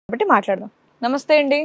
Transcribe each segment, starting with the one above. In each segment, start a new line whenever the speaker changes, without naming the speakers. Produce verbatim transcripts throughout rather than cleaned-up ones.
కాబట్టి మాట్లాడదాం. నమస్తే అండి,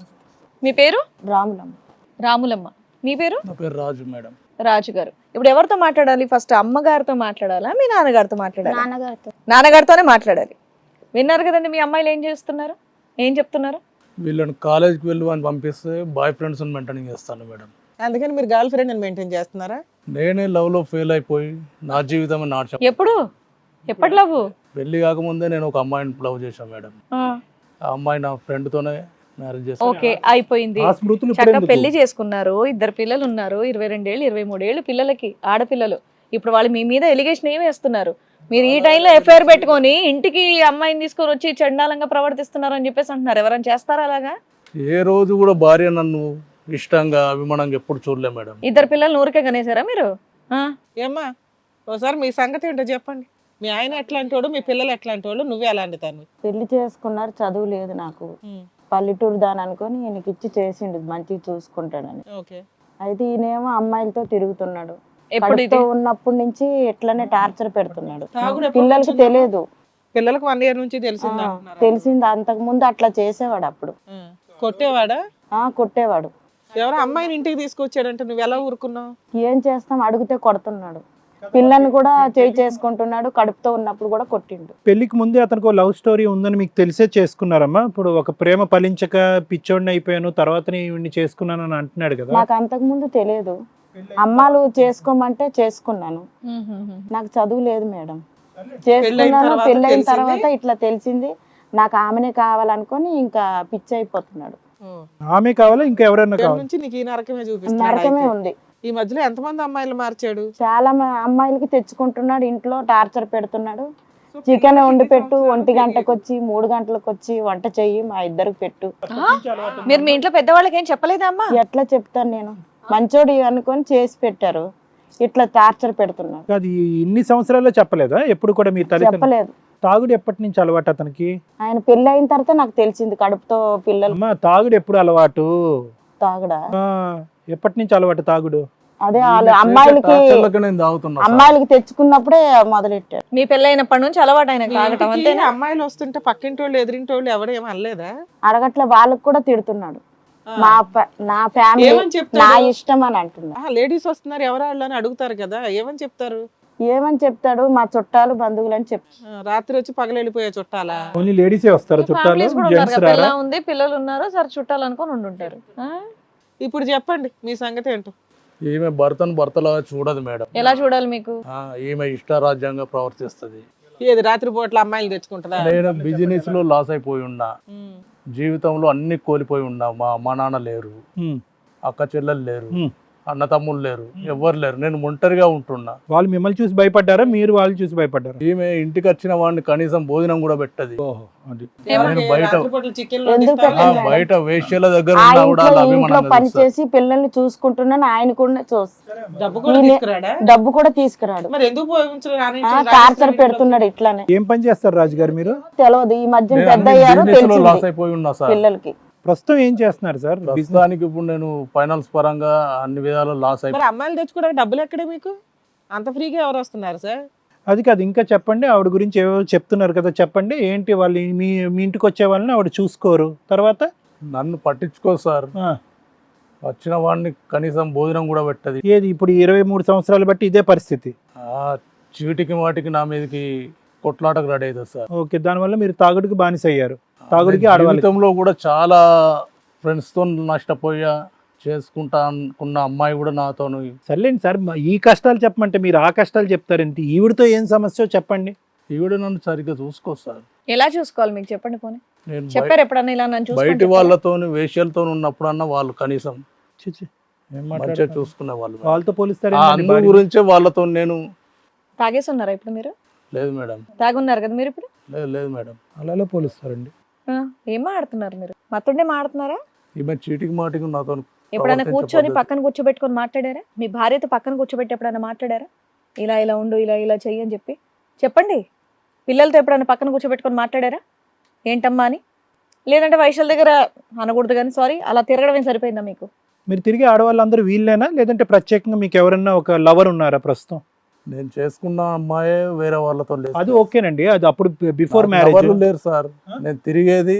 మీ పేరు?
రాములమ్మ.
రాములమ్మ. మీ పేరు?
నా పేరు రాజు మేడం.
రాజు గారు. ఇప్పుడు ఎవరితో మాట్లాడాలి? ఫస్ట్ అమ్మగారితో మాట్లాడాలా, మీ నాన్నగారితో మాట్లాడాలి?
నాన్నగారితో.
నాన్నగారితోనే మాట్లాడాలి. విన్నారు కదండి మీ అమ్మాయిలు ఏం చేస్తున్నారు, ఏం చెప్తున్నారు?
వీళ్ళని కాలేజ్కి వెళ్ళి అని పంపిస్తే బాయ్ ఫ్రెండ్స్ మెయింటైన్ చేస్తాను మేడం.
అందుకని మీరు గర్ల్ ఫ్రెండ్ అని మెయింటైన్ చేస్తున్నారా?
నేనే లవ్ లో ఫెయిల్ అయిపోయి నా జీవితం నాశనం.
ఎప్పుడు ఎప్పటి లవ్?
పెళ్లి కాకముందే నేను ఒక అమ్మాయిని లవ్ చేశాను మేడం. ఆ అమ్మాయి నా ఫ్రెండ్ తోనే మ్యారేజ్ చేశాను.
ఓకే, అయిపోయింది.
ఆ స్మృతులు ఇప్పుడు
చక్కగా
ఎందుకు?
పెళ్లి చేసుకున్నారు, ఇద్దరు పిల్లలు ఉన్నారు, ఇరవై రెండేళ్ళు ఇరవై మూడేళ్ళు పిల్లలకి, ఆడపిల్లలు. ఇప్పుడు వాళ్ళు మీ మీద ఎలిగేషన్ ఏమి వేస్తున్నారు? మీరు ఈ టైంలో ఎఫ్ఐఆర్ పెట్టుకొని ఇంటికి అమ్మాయిని తీసుకొని వచ్చి చండాలంగా ప్రవర్తిస్తున్నారు అని చెప్పేసి అంటున్నారు. ఎవరైనా చేస్తారా అలాగా?
ఏ రోజు కూడా భార్య నన్ను ఇష్టంగా అభిమానంగా ఎప్పుడు చూడలే మేడం.
ఇద్దరు పిల్లలు ఊరికే కనేసారా మీరు? ఆ?
ఏమ్మా ఒకసారి మీ సంగతి ఏంటో చెప్పండి. మీ ఆయన ఎట్లాంటి వాడు, మీ పిల్లలు ఎట్లాంటి వాళ్ళు, నువ్వే అలాంటి తను.
పెళ్లి చేసుకున్నారు, చదువు లేదు నాకు. పల్లెటూరు దాని అనుకొని ఈయనకి ఇచ్చి చేసిండు మంచిగా చూసుకుంటాడని.
ఓకే.
అయితే ఈయనేమో అమ్మాయిలతో తిరుగుతున్నాడు.
ఎప్పుడు ఇది?
కడుపుతో ఉన్నప్పటి నుంచి ఎట్లనే టార్చర్ పెడుతున్నాడు.
తాగుడు ఎప్పుడు
పిల్లలకి
వచ్చింది?
తెలియదు.
పిల్లలకు వన్ ఇయర్ నుంచి
ఆ,
తెలిసిందా?
తెలిసింది. అంతకు ముందు అట్లా చేసేవాడు. అప్పుడు
కొట్టేవాడా?
ఆ కొట్టేవాడు.
ఎవరో అమ్మాయిని ఇంటికి తీసుకొచ్చాడంటే నువ్వు ఎలా ఊరుకున్నావు?
ఏం చేస్తాం, అడిగితే కొడుతున్నాడు. పిల్లని కూడా చేయి చేసుకుంటున్నాడు. కడుపుతో ఉన్నప్పుడు కూడా కొట్టిండు.
పెళ్లికి ముందే అతనికి లవ్ స్టోరీ ఉందని మీకు తెలిసే చేసుకున్నారమ్మా? ఇప్పుడు ఒక ప్రేమ ఫలించక పిచ్చోడిని అయిపోయాను తర్వాత ఇవన్నీ చేసుకున్నాను అని అంటున్నాడు కదా.
నాకు అంతకు ముందు తెలియదు. అమ్మాలు చేసుకోమంటే చేసుకున్నాను. నాకు చదువు లేదు మేడం. చేసుకున్నాను.
తర్వాత
పెళ్ళైన
తెలిసింది?
తర్వాత ఇట్లా తెలిసింది. నాకు ఆమెనే కావాలనుకొని ఇంకా పిచ్చి అయిపోతున్నాడు.
ఆమె కావాలా ఇంకా ఎవరైనా
ఇక్కడ
కావాలి?
నుంచి నీకు ఈ నరకమే చూపిస్తున్నాడు.
నరకమే
అయితే.
ఉంది.
ఈ మధ్యలో ఎంతమంది అమ్మాయిలు మార్చాడు?
చాలా మ- అమ్మాయిలకి తెచ్చుకుంటున్నాడు. ఇంట్లో టార్చర్ పెడుతున్నాడు. చికెన్ వండి పెట్టు, ఒంటి గంటకు వచ్చి మూడు గంటలకు వచ్చి వంట చెయ్యి, మా ఇద్దరికి పెట్టు.
ఆ? మీరు మీ ఇంట్లో పెద్దవాళ్ళకి ఏం చెప్పలేదా అమ్మా?
ఎట్లా చెప్తాను నేను? మంచోడి అనుకొని చేసి పెట్టారు. ఇట్లా టార్చర్ పెడుతున్నాడు.
అది ఇన్ని సంవత్సరాల్లో చెప్పలేదా ఎప్పుడు కూడా మీ తల్లిదండ్రులు?
చెప్పలేదు.
తాగుడు ఎప్పటి నుంచి అలవాటు అతనికి?
ఆయన పెళ్లి అయిన తర్వాత నాకు తెలిసింది. కడుపుతో పిల్లలు
అమ్మా తాగుడు ఎప్పుడు అలవాటు?
తాగడా?
ఆ, ఎప్పటి నుంచి అలవాటు తాగుడు?
అదే వాళ్ళు అమ్మాయిలకి
టార్చర్లకు నేను తాగుతున్నా సార్.
అమ్మాయిలకి తెచ్చుకున్నప్పుడే మొదలెట్టారు.
మీ పెళ్ళైనప్పటి నుంచి అలవాటు ఆయన
మీ
తాగటం
ఇంటికి
అంతేనా?
అమ్మాయిలు వస్తుంటే పక్కింటి వాళ్ళు ఎదిరింటి వాళ్ళు ఎవడేం అనలేదా?
అడగట్లే. వాళ్ళకి కూడా తిడుతున్నాడు. మా ప- నా ఫ్యామిలీ
ఏమని చెప్తాడు?
నా ఇష్టం అని అంటున్నాడు.
లేడీస్ వస్తున్నారు ఎవరు వాళ్ళు అని అడుగుతారు కదా, ఏమని చెప్తారు?
ఏమని చెప్తాడు? మా చుట్టాలు బంధువులు అని చెప్తాడు.
ఆ, రాత్రి వచ్చి పగలెళ్ళిపోయే చుట్టాలా?
ఓన్లీ లేడీసే వస్తారు చుట్టాలు,
ఫ్యామిలీస్ కూడా ఉన్నారు
జెంట్స్
కదా,
రారా?
పిల్ల ఉంది, పిల్లలు ఉన్నారు, సరే చుట్టాలు అనుకొని ఉండుంటారు. ఆ?
ఇప్పుడు చెప్పండి మీ సంగతి ఏంటో.
ఈమె భర్తను భర్తలాగా చూడదు మేడం.
ఎలా చూడాలి మీకు?
ఆ, ఈమె ఇష్టారాజ్యంగా ప్రవర్తిస్తుంది.
ఏది రాత్రి పూట్ల అమ్మాయిలు తెచ్చుకుంటుందా?
నేను బిజినెస్ లో లాస్ అయిపోయి ఉన్నా, జీవితంలో అన్ని కోల్పోయి ఉన్నా. మా అమ్మ నాన్న లేరు,
ఉమ్,
అక్క చెల్లెలు లేరు,
ఉమ్.
అన్న తమ్ముళ్ళు లేరు, ఎవ్వరు లేరు. నేను ఒంటరిగా ఉంటున్నా.
వాళ్ళు మిమ్మల్ని చూసి భయపడ్డారా, మీరు వాళ్ళు చూసి భయపడ్డారా?
ఈమె ఇంటికి వచ్చిన వాడిని కనీసం భోజనం కూడా పెట్టదు.
ఓహో, అది
ఎవరికి
నేను బయట-
రాత్రి పూట్ల చికెన్లు
ఎందుకు
వండిస్తావా?
ఆ,
పెట్టండి?
బయట వేశ్యల దగ్గర
ఆ
ఉన్నా కూడా
ఇంట్లో
వాళ్ళు
ఇంట్లో
అభిమానంగా
పని
చూస్తారు.
చేసి పిల్లల్ని చూసుకుంటున్నాను. ఆయన కూడా చూస్తాడు.
డబ్బు కూడా
ఈయన-
తీసుకురాడా?
డబ్బు కూడా తీసుకురాడు.
మరి ఎందుకు పోయించరు? రాని
ఆ,
ఇంట్లో
టార్చర్
రాని
పెడుతున్నాడు. ఇట్లానే
ఏం పని చేస్తారు రాజుగారు మీరు?
తెలియదు. ఈ మధ్య
నేను
పెద్ద
అన్ని
అయ్యారు
business లో లాస్
తెలిసింది
అయిపోయి ఉన్నా సార్.
పిల్లలకి.
ప్రస్తుతం ఏం చేస్తున్నారు సార్?
ప్రస్తుతానికి ఇప్పుడు నేను ఫైనాన్స్ పరంగా అన్ని విధాలు లాస్ అయిపోయి.
మరి అమ్మాయిలు తెచ్చుకోవడానికి డబ్బులు ఎక్కడే మీకు? అంత ఫ్రీగా ఎవరు వస్తున్నారు సార్?
అది కాదు, ఇంకా చెప్పండి. ఆవిడ గురించి ఏవో చెప్తున్నారు కదా, చెప్పండి. ఏంటి వాళ్ళు మీ మీ ఇంటికి వచ్చే వాళ్ళని ఆవిడ చూసుకోరు, తర్వాత
నన్ను పట్టించుకో సార్.
ఆ,
వచ్చిన వాడిని కనీసం భోజనం కూడా పెట్టదు.
ఏది ఇప్పుడు ఇరవై మూడు సంవత్సరాలు బట్టి ఇదే పరిస్థితి.
ఆ చీటికి వాటికి నా మీదకి కొట్లాటకు రెడీ అవుతుంది సార్.
ఓకే, దానివల్ల మీరు తాగుడికి బానిస అయ్యారు. తాగుడికి ఆడవాళ్ళకి.
జీవితంలో కూడా చాలా ఫ్రెండ్స్ తో నష్టపోయా. చేసుకుంటా అనుకున్న అమ్మాయి కూడా నాతో.
సర్లేండి సార్, మ- ఈ కష్టాలు చెప్పమంటే మీరు ఆ కష్టాలు చెప్తారేంటి? ఈవిడతో ఏం సమస్య చెప్పండి.
ఈవిడ నన్ను సరిగ్గా చూసుకో సార్.
ఎలా చూసుకోవాలి మీకు చెప్పండి పోనీ.
నేను బయ-
చెప్పారు ఎప్పుడన్నా ఇలా నన్ను
బయటి
చూసుకోండి?
వాళ్ళతో వేష్యలతో ఉన్నప్పుడన్నా వాళ్ళు కనీసం
చి, చి. ఏం
మంచిగా
మాట్లాడుతున్నారు?
చూసుకునే వాళ్ళు.
వాళ్ళతో పోలిస్తారు
ఆ అందు గురించే వాళ్ళతో నేను.
తాగేసి ఉన్నారా ఇప్పుడు మీరు?
లేదు మేడం,
తాగున్నారు కదా మీరు ఇప్పుడు?
లేదు లేదు మేడం.
అలా పోలిస్తారండి.
ఆ, ఏం మాడుతున్నారు మీరు? మత్తుండే మాడుతున్నారా?
ఈమె చీటికి మాటికి నాతో
ఎప్పుడైనా
ప్రవర్తించే
కూర్చొని
పద్ధతి.
పక్కన కూర్చోబెట్టుకొని మాట్లాడారా? మీ భార్యతో పక్కన కూర్చోబెట్టి ఎప్పుడైనా మాట్లాడారా? ఇలా ఇలా ఉండు, ఇలా ఇలా చెయ్యి అని చెప్పి చెప్పండి. పిల్లలతో ఎప్పుడైనా పక్కన కూర్చోబెట్టుకొని మాట్లాడారా ఏంటమ్మా అని? లేదంటే వైశాల్ దగ్గర అనకూడదు కానీ సారీ అలా తిరగడమే సరిపోయిందా మీకు?
మీరు తిరిగి ఆడవాళ్ళందరూ వీళ్ళేనా, లేదంటే ప్రత్యేకంగా మీకు ఎవరన్నా ఒక లవర్ ఉన్నారా ప్రస్తుతం?
నేను చేసుకున్న అమ్మాయే వేరే వాళ్ళతో లేదు.
అది ఓకేనండి, అది అప్పుడు బిఫోర్
నాకు
మ్యారేజ్.
ఎవరు లేరు సార్. నేను తిరిగేది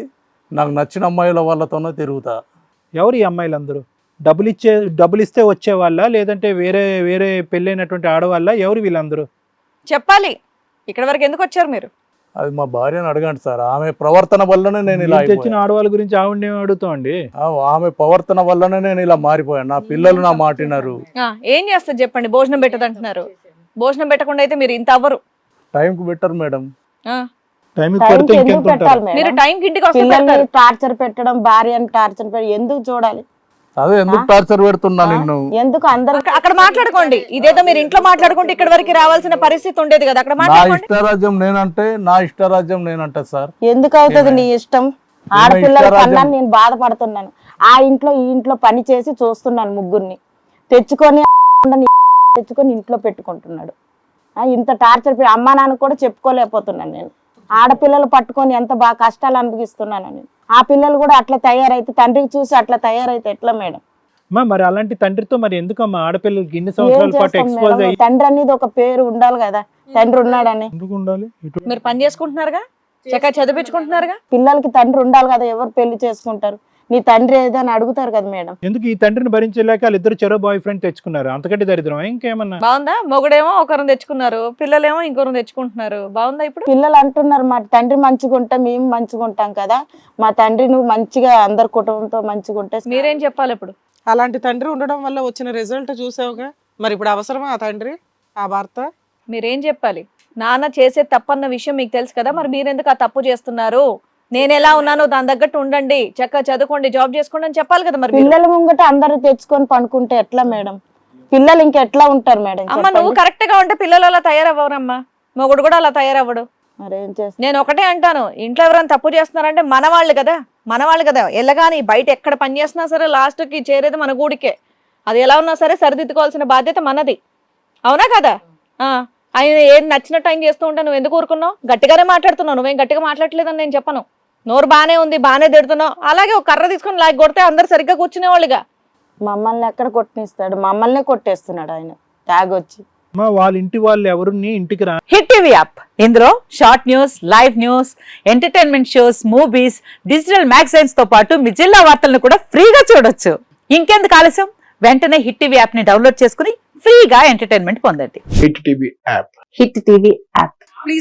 నాకు నచ్చిన అమ్మాయిల వాళ్ళతోనే తిరుగుతా.
ఎవరు ఈ అమ్మాయిలందరూ? డబ్బులు ఇచ్చే డబ్బులు ఇస్తే వచ్చే వాళ్ళ, లేదంటే వేరే వేరే పెళ్ళైనటువంటి ఆడవాళ్ళ? ఎవరు వీళ్ళందరూ?
చెప్పాలి. ఇక్కడ వరకు ఎందుకు వచ్చారు మీరు?
అది మా భార్యను అడగండి సార్. ఆమె ప్రవర్తన వల్లనే నేను ఇలా
మీరు తెచ్చిన
అయిపోయాను.
ఆడవాళ్ళ గురించి ఆవిడనే అడుగుతామండి.
ఆ, ఆమె ప్రవర్తన వల్లనే నేను ఇలా మారిపోయాను. నా పిల్లలు నా మాటినారు.
ఆ, ఏం చేస్తారు చెప్పండి? భోజనం పెట్టదంటున్నారు. భోజనం పెట్టకుండా అయితే మీరు ఇంత అవ్వరు.
టైంకి బెటర్ మేడం.
ఆ,
టైంకి
టైంకి
పడితే
ఎందుకు
ఇంకెంత
పెట్టాలి
ఉంటారు?
మీరు
మేడం?
టైంకి ఇంటికి వస్తే
పిల్లల్ని
పెడతారు.
టార్చర్ పెట్టడం, భార్యని టార్చర్ పెట్టడం ఎందుకు చూడాలి?
అదే ఎందుకు టార్చర్ పెడుతున్నా నిన్ను?
ఎందుకు అందరు
అక్కడ- అక్కడ మాట్లాడుకోండి. ఇదేదో మీరు ఇంట్లో మాట్లాడుకుంటే ఇక్కడ వరకు రావాల్సిన పరిస్థితి ఉండేది కదా. అక్కడ
నా
మాట్లాడుకోండి.
ఇష్టరాజ్యం నేనంటే నా ఇష్టరాజ్యం నేనంటే సార్.
ఎందుకు అవుతుంది నీ ఇష్టం? ఆడపిల్లల
ఇష్టరాజ్యం.
కన్నా నేను బాధపడుతున్నాను. ఆ ఇంట్లో ఈ ఇంట్లో పని చేసి చూస్తున్నాను ముగ్గురిని తెచ్చుకొని తెచ్చుకొని ఇంట్లో పెట్టుకుంటున్నాడు. ఆ, ఇంత టార్చర్ పె- అమ్మా నాన్న కూడా చెప్పుకోలేకపోతున్నాను నేను. ఆడపిల్లలు పట్టుకొని ఎంత బాగా కష్టాలు అనుభవిస్తున్నాను నేను. ఆ పిల్లలు కూడా అట్లా తయారైతే, తండ్రికి చూసి అట్లా తయారైతే ఎట్లా మేడం?
అమ్మా, మరి అలాంటి తండ్రితో మరి ఎందుకమ్మా ఆడపిల్లలకి ఇన్ని
ఏం
సంవత్సరాల పాటు
చేస్తాం
ఎక్స్పోజ్
మేడం?
అయ్యి
తండ్రి అనేది ఒక పేరు ఉండాలి కదా, తండ్రి ఉన్నాడని.
ఎందుకు ఉండాలి? ఇటు
మీరు పని చేసుకుంటున్నారుగా, చక్కగా చదివించుకుంటున్నారుగా.
పిల్లలకి తండ్రి ఉండాలి కదా, ఎవరు పెళ్లి చేసుకుంటారు? నీ తండ్రి ఏదని అడుగుతారు కదా మేడం.
ఎందుకు ఈ తండ్రిని భరించలేక వాళ్ళిద్దరు చెరో బాయ్ ఫ్రెండ్ తెచ్చుకున్నారు? అంతకంటే దరిద్రం ఇంకేమన్నా?
బాగుందా? మొగుడేమో ఒకరిని తెచ్చుకున్నారు, పిల్లలేమో ఇంకొకరిని తెచ్చుకుంటున్నారు. బాగుందా ఇప్పుడు?
పిల్లలు అంటున్నారు మా తండ్రి మంచిగా ఉంటే మేము మంచిగా ఉంటాం కదా, మా తండ్రి నువ్వు మంచిగా అందరి కుటుంబంతో మంచిగా ఉంటే.
మీరేం చెప్పాలి ఇప్పుడు?
అలాంటి తండ్రి ఉండడం వల్ల వచ్చిన రిజల్ట్ చూసావుగా. మరి ఇప్పుడు అవసరమా ఆ తండ్రి, ఆ భర్త?
మీరేం చెప్పాలి? నాన్న చేసే తప్పన్న విషయం మీకు తెలుసు కదా, మరి మీరెందుకు ఆ తప్పు చేస్తున్నారు? నేను ఎలా ఉన్నానో దాని తగ్గట్టు ఉండండి, చక్కగా చదువుకోండి, జాబ్ చేసుకోండి అని చెప్పాలి కదా. మరి మీరు-
పిల్లల ముంగట అందరూ తెచ్చుకొని పండుకుంటే ఎట్లా మేడం? పిల్లలు ఇంకా ఎట్లా ఉంటారు మేడం?
అమ్మ, నువ్వు కరెక్ట్ గా ఉంటే పిల్లలు అలా తయారవ్వరమ్మా, మొగుడు కూడా అలా తయారవ్వడు.
మరేం చేస్తా?
నేను ఒకటే అంటాను, ఇంట్లో ఎవరైనా తప్పు చేస్తున్నారంటే మన వాళ్ళు కదా, మన వాళ్ళు కదా. ఎల్లగాని బయట ఎక్కడ పని చేసినా సరే లాస్ట్ కి చేరేది మన గూడికే. అది ఎలా ఉన్నా సరే సరిదిద్దుకోవాల్సిన బాధ్యత మనది, అవునా కదా? ఆ ఆయన ఏం నచ్చినట్టు ఆయన చేస్తూ ఉంటే నువ్వు ఎందుకు ఊరుకున్నావు? గట్టిగానే మాట్లాడుతున్నావు, నువ్వేం గట్టిగా మాట్లాడలేదని నేను చెప్పను. నోరు బానే ఉంది, బానే తిడుతున్నావు. అలాగే ఒక కర్ర తీసుకొని లాగి కొడితే అందరు సరిగ్గా కూర్చునేవాళ్ళుగా.
మమ్మల్ని ఎక్కడ కొట్టనిస్తాడు? మమ్మల్నే కొట్టేస్తున్నాడు ఆయన తాగొచ్చి.
మా వాళ్ళ ఇంటి వాళ్ళు ఎవరిని ఇంటికి రా.
హిట్ టీవీ యాప్, ఇందులో short news, live news, entertainment shows, movies, digital magazines తో పాటు మీ జిల్లా వార్తలను కూడా ఫ్రీగా చూడొచ్చు. ఇంకెందుకు ఆలస్యం? వెంటనే హిట్ టీవీ యాప్ ని డౌన్లోడ్ చేసుకుని ఫ్రీగా ఎంటర్టైన్మెంట్ పొందండి.
Hit TV app
Hit TV app.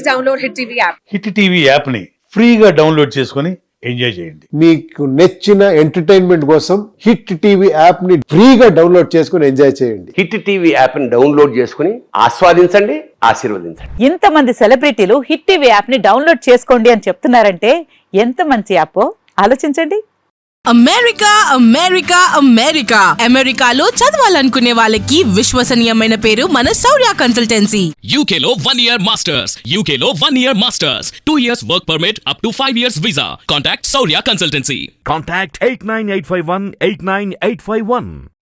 Hit TV యాప్ని ఫ్రీగా డౌన్లోడ్ చేసుకొని ఎంజాయ్ చేయండి.
మీకు నచ్చిన ఎంటర్టైన్మెంట్ కోసం హిట్ టీవీ యాప్ ని ఫ్రీగా డౌన్లోడ్ చేసుకుని ఎంజాయ్ చేయండి.
హిట్ టీవీ యాప్ని డౌన్లోడ్ చేసుకుని ఆస్వాదించండి, ఆశీర్వదించండి.
ఇంతమంది సెలబ్రిటీలు హిట్ టీవీ యాప్ ని డౌన్లోడ్ చేసుకోండి అని చెప్తున్నారంటే ఎంత మంచి యాప్ ఆలోచించండి.
అమెరికా అమెరికా అమెరికా అమెరికాలో చదవాలనుకునే వాళ్ళకి విశ్వసనీయమైన పేరు మన శౌర్య కన్సల్టెన్సీ.
U K లో one year masters, U K లో one year masters, two years work permit up to five years visa. Contact Saurya Consultancy.
Contact eight nine eight five one eight nine eight five one.